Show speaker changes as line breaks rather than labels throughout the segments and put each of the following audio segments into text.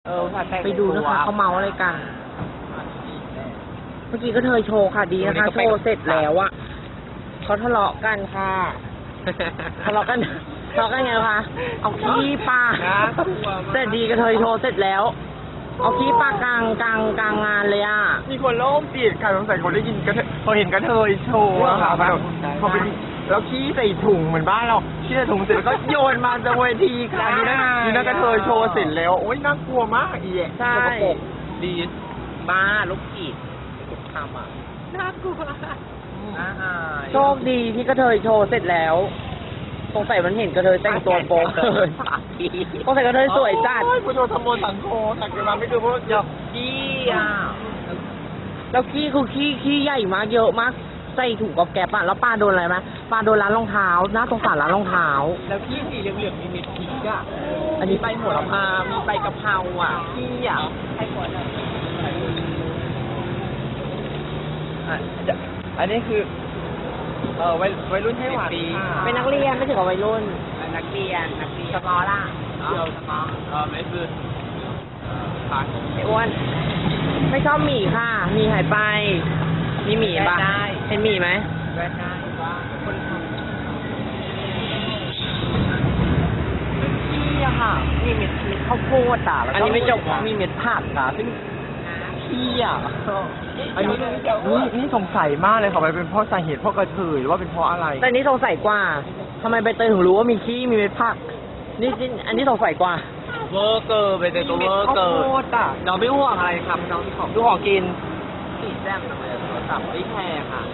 ไปดูนะคะเขาเมาอะไรกัน เมื่อกี้ก็เธอโชว์ค่ะดีนะคะโชว์เสร็จแล้วอะเขาทะเลาะกันค่ะทะเลาะกันไงคะเอาขี้ปลาเสร็จดีก็เธอโชว์เสร็จแล้วเอาขี้ปลากลางงานเลยอ่ะ
มีคนโล่งจิตค่ะสงสัยคนได้ยินพอเห็นกระเทยโชว์อะค่ะพอไปแล้วขี้ใส่ถุงเหมือนบ้านเราขี้ใส่ถุงเสร็จแล้วก็โยนมาจากเวทีค่ะนี่นะกระเทยโชว์เสร็จแล้วโอ๊ยน่ากลัวมากอีแย่
ใช่
ดี
บ้าลูกกีดทำอ่ะ
น่ากลัว
โชคดีที่กระเทยโชว์เสร็จแล้วสงสัยมันเห็นกระเทยแต่งตัวโป๊ะเลยสงสัยกระเทยสวยจัด
ผู้โดนทำโมสังโฆสักกันมาไม่คือเพราะอยากขี้อ่ะ
แล้วขี้คือขี้ใหญ่มากเยอะมากใส่ถุงกับแกปอะแล้วปลาโดนอะไรไหมปลาโดนร้านรองเท้าน่าสงสารร้านรองเท้า
แล้วขี้สีเหลืองๆมีเม็ดพริกอ่ะ
อันนี้
ใบโหระพามีใบกะเพราอ่ะขี้อ่ะให้หมดอันนี้คือวัยรุ่นให้หวาน
เป็นนักเรียนไม่ถึงกับวัยรุ่น
นักเรียน
สมอล่ะ
สมอไม่คือ
ไอ้อ้วนไม่ชอบหมี่ค่ะหมี่หายไปมีหมี่ปะเห็นหมี่ไหม
ได้ว่าคนทำขี้อะค่ะมีเม็ดข้าวโพดอ่ะแล้วก็
อันนี้ไม่จบ
มีเม็ดผักอ่ะซึ่งขี้อ่ะอันนี้นี่สงสัยมากเลยค่ะมันเป็นเพราะสาเหตุเพราะกระเทยหรือว่าเป็นเพราะอะไร
แต่นี้สงสัยกว่าทำไมใบเตยถึงรู้ว่ามีขี้มีเม็ดผักนี่อันนี้สงสัยกว่า
เวอร์เกอร์ไปตัวเวอร์เกอร์น้องไม่ห่วงอะไรครับน้องของดูของกินสีแจ่มทำไมโทรศัพท์ไม่แพงค่ะ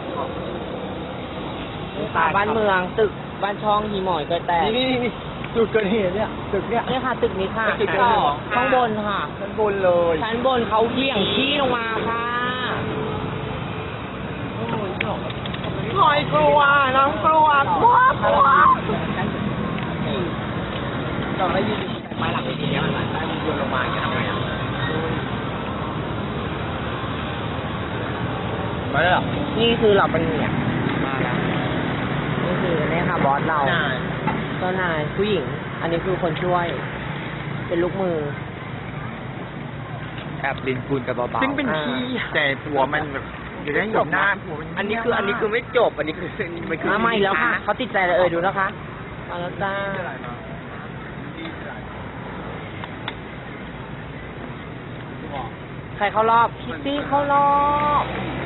บ้านเมืองตึกบ้านช่องหีหมอยเกยแตก
นี่จุดเกิดเหตุเนี่ยตึกเนี่ย
นี่ค่ะตึกนี้ค่ะ
ตึกที่สอง
ข้างบนค่ะ
ชั้นบนเลย
ชั้นบนเขาเบี่ยงขี้ลงมาค่ะ
หอยกลัวน้องกลัวเราได้ยินไม้หลังไปทีเนี้ยมันได้มันโยนลงมาจะทำไงอ่ะมาแล้ว
นี่คือเราเป็นเนี่ย
มาแล้ว
นี่คือเนี่ยค่ะบอสเราเจ้านายผู้หญิง อันนี้คือคนช่วย เป็นลูกมือ
แอบดินปูนกับเบาๆซึ่งเป็นขี้แต่ผัวมันแบบอยู่ได้อยู่หน้าผัวมันอันนี้คือไม่จบอันนี้คือมันคือ
ไม่แล้วค่ะเขาติดใจเลยดูนะคะมาแล้วจ้าใครเข้ารอบคิตตี้เข้ารอบ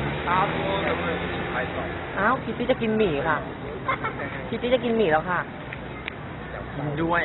อ้าวคิตตี้จะกินหมี่ค่ะคิตตี้จะกินหมี่แล้วค่ะ
กินด้วย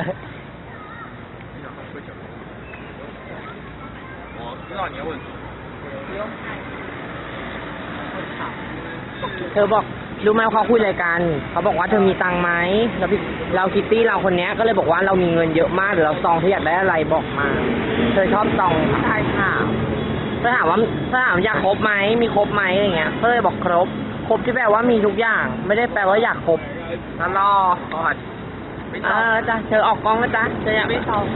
เธอบอกรู้ไหมเขาคุยอะไรกันเขาบอกว่าเธอมีตังค์ไหมแล้วเราคิตตี้เราคนนี้ก็เลยบอกว่าเรามีเงินเยอะมากเดี๋ยวเราซองเธออยากได้อะไรบอกมาเธอชอบซองใช่ค่ะถ้าถามอยากครบไหมมีครบไหมอะไรเงี้ยก็เลยบอกครบที่แปลว่ามีทุกอย่างไม่ได้แปลว่าอยากครบ
แล้วรอก่อน
จ้ะเธอออกกล้องนะจ๊ะเธออยากไม่ซอง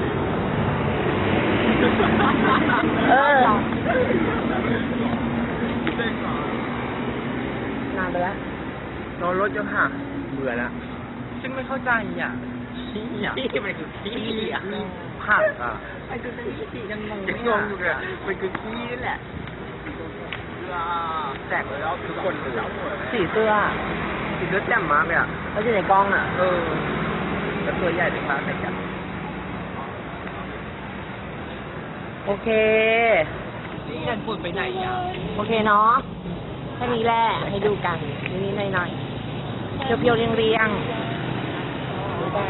นานไปแล้ว
รอรถยังห่างเบื่อแล้วซึ่งไม่เข้าใจอ่ะขี้มันคือขี้อ่ะผักอ่ะไอ้ตัวนี้ยังงงอยู่เลยมันคือขี้นี่แหละแจกเลยแล้วทุกคนเลย
สีเสื้อ
แจ่มมากเลยอ่ะ
แล้วอยู่ในกล้องอ่ะ
แล้วตัวใหญ่เลยครับใส่กัน
โอเค
นี่กันฝุ่นไปไหนอ่ะ
โอเคเนาะแค่นี้แหละให้ดูกันนิดๆหน่อยๆเพียวๆเรียงๆบาย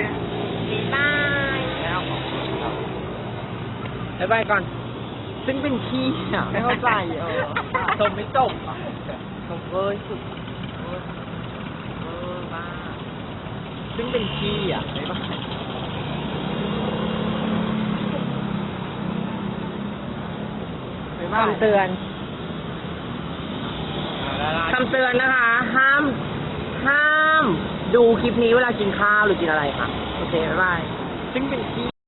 บายก่อน
ซึ่งเป็นขี้อ่ะไม่เข้าใจชมไม่จบอ่ะชมสุดบ้าซึ่งเป็นขี้อ่ะไม่บ้า
คำเตือนนะคะ ห้ามดูคลิปนี้เวลากินข้าวหรือกินอะไรค่ะโอเคบ๊ายบาย
ซึ่งเป็นขี้